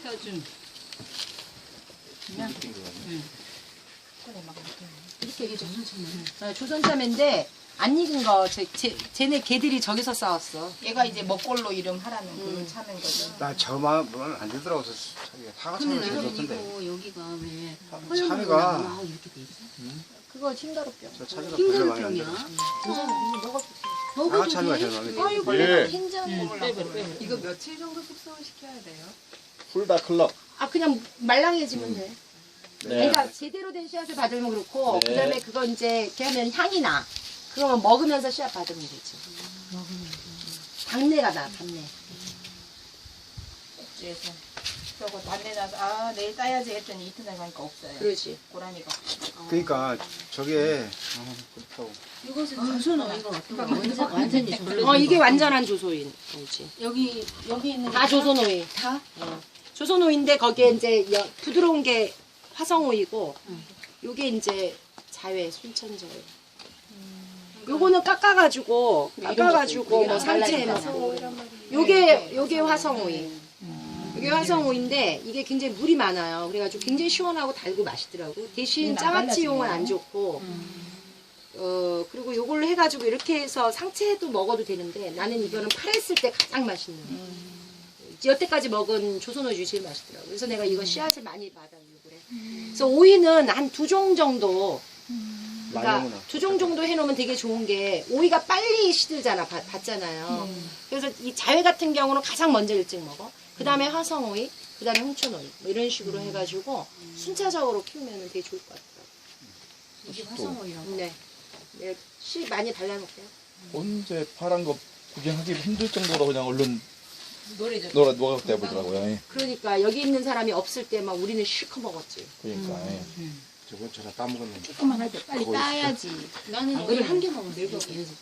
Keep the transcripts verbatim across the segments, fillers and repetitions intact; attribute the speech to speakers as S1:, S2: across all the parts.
S1: 쪄준. 그냥 응.
S2: 이렇게 이게 조선참이야. 어, 조선참인데 안 익은 거. 제, 제, 쟤네 개들이 저기서 싸웠어.
S3: 얘가 이제 먹골로 이름 하라는
S2: 음.
S3: 그 참인 거죠.
S4: 나 저만 안 되더라고. 자기가 사과참을 제일 좋던데.
S1: 이거 여기가 왜
S4: 참이가
S1: 막 이렇게 돼 있어?
S2: 그거 흰가루병.
S4: 저 차지가 별로 많이 안
S1: 흰가루병이야.
S4: 들어.
S2: 먹어.
S4: 사과참이가 제일 마음에 들어.
S2: 아이고,
S4: 예.
S2: 내가 흰자
S3: 응,
S2: 먹으려고.
S3: 빼버려, 빼버려.
S5: 이거 며칠 정도 숙성을 시켜야 돼요?
S6: 풀다 클럽.
S2: 아, 그냥 말랑해지면 돼.
S6: 네.
S2: 그러니까 제대로 된 씨앗을 받으면 그렇고,
S6: 네.
S2: 그 다음에 그거 이제 이렇게 하면 향이 나. 그러면 먹으면서 씨앗 받으면 되지. 당내가 나, 당내.
S3: 꼭지에서. 저거 단내 나서 아 내일 따야지 했더니 이튿날 가니까 없어요.
S2: 그렇지.
S3: 고라니가.
S4: 그러니까 저게 어, 그렇다고.
S1: 이것은 조선어 이거 완전 완전히 절로.
S2: 어, 이게 완전한 조소인. 그렇지.
S1: 여기 여기 있는
S2: 다 조선오이.
S1: 다?
S2: 어. 조선오이인데 거기에 이제 여- 부드러운 게 화성오이고, 요게 이제 자회, 순천자회. 요거는 깎아가지고, 깎아가지고, 뭐 상체에 넣고. 요게, 요게 화성오이. 이게 화성오인데 이게 굉장히 물이 많아요. 그래가지고 굉장히 시원하고 달고 맛있더라고. 대신 장아찌용은 안 좋고, 어 그리고 요걸로 해가지고 이렇게 해서 상체도 먹어도 되는데 나는 이거는 팔았을 때 가장 맛있는 거. 여태까지 먹은 조선오이 중에 제일 맛있더라고. 그래서 내가 이거 씨앗을 많이 받아보려고 그래. 그래서 오이는 한 두 종 정도. 그러니까
S4: 많이
S2: 두 종 정도 해놓으면 되게 좋은 게 오이가 빨리 시들잖아, 받, 받잖아요. 그래서 이 자회 같은 경우는 가장 먼저 일찍 먹어. 그 다음에 화성오이, 그 다음에 홍천오이 뭐 이런 식으로 해가지고 순차적으로 키우면 되게 좋을 것 같더라고.
S1: 이게 화성오이라고.
S2: 네, 네, 씨 많이 발라놓을게요.
S6: 언제 파란 거 구경하기 힘들 정도로 그냥 얼른
S1: 노래 좀.
S6: 놀아 녹아대 보더라고요. 예.
S2: 그러니까 여기 있는 사람이 없을 때 막 우리는 실컷 먹었지.
S6: 그러니까. 예.
S4: 저거 저다 따먹었네.
S3: 조금만 할 때 빨리
S4: 그거
S3: 따야지.
S1: 나는 오늘 한 개 먹으면 늙어 계속.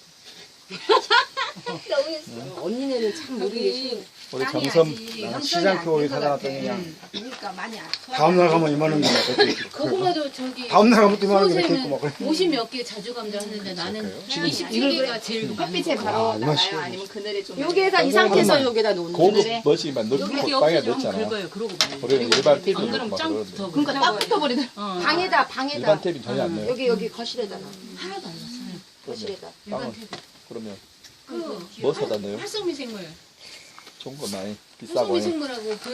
S2: 어, 언니네는 참 모르게 쉬운.
S6: 우리 정섬
S4: 나는 시장표 오이 사다 놨더니 그냥
S3: 그러니까 많이 안
S4: 다음날 가면 이만한 게
S1: 그거보다도 저기
S4: 다음날 가면 또 이만한 게 이렇게
S1: 소세는
S4: 있고 막 그래.
S1: 오십 몇 개 자주 감자하는데 나는 이십칠 개가 제일 많은
S3: 햇빛에
S1: 거.
S3: 바로
S4: 아,
S3: 나가요?
S4: 맛있어.
S3: 아니면 그늘에 좀
S2: 여기에다 이 상태에서
S6: 잠깐만.
S2: 여기다 놓는
S6: 고급
S2: 거지.
S6: 멋이만 넣
S1: 여기
S6: 빵에
S1: 옆에 좀
S6: 넣잖아.
S1: 긁어요. 그러고 봐요.
S6: 우리는 일반 탭이
S1: 안 그러면
S6: 막
S1: 짱
S6: 그러는데.
S1: 붙어.
S3: 그러니까 딱 붙어버리더라.
S1: 어.
S2: 방에다, 방에다.
S6: 일반 탭이 전혀 안 넣어요.
S2: 여기, 여기 거실에다가.
S1: 하나도 안 났어요.
S2: 거실에다.
S1: 일반
S6: 빵은
S1: 탭이.
S6: 그러면
S1: 그
S6: 뭐 사다 넣어요?
S1: 활성미생물.
S6: 좋은 거 많이 비싸고. 예.
S1: 활성미생물하고 그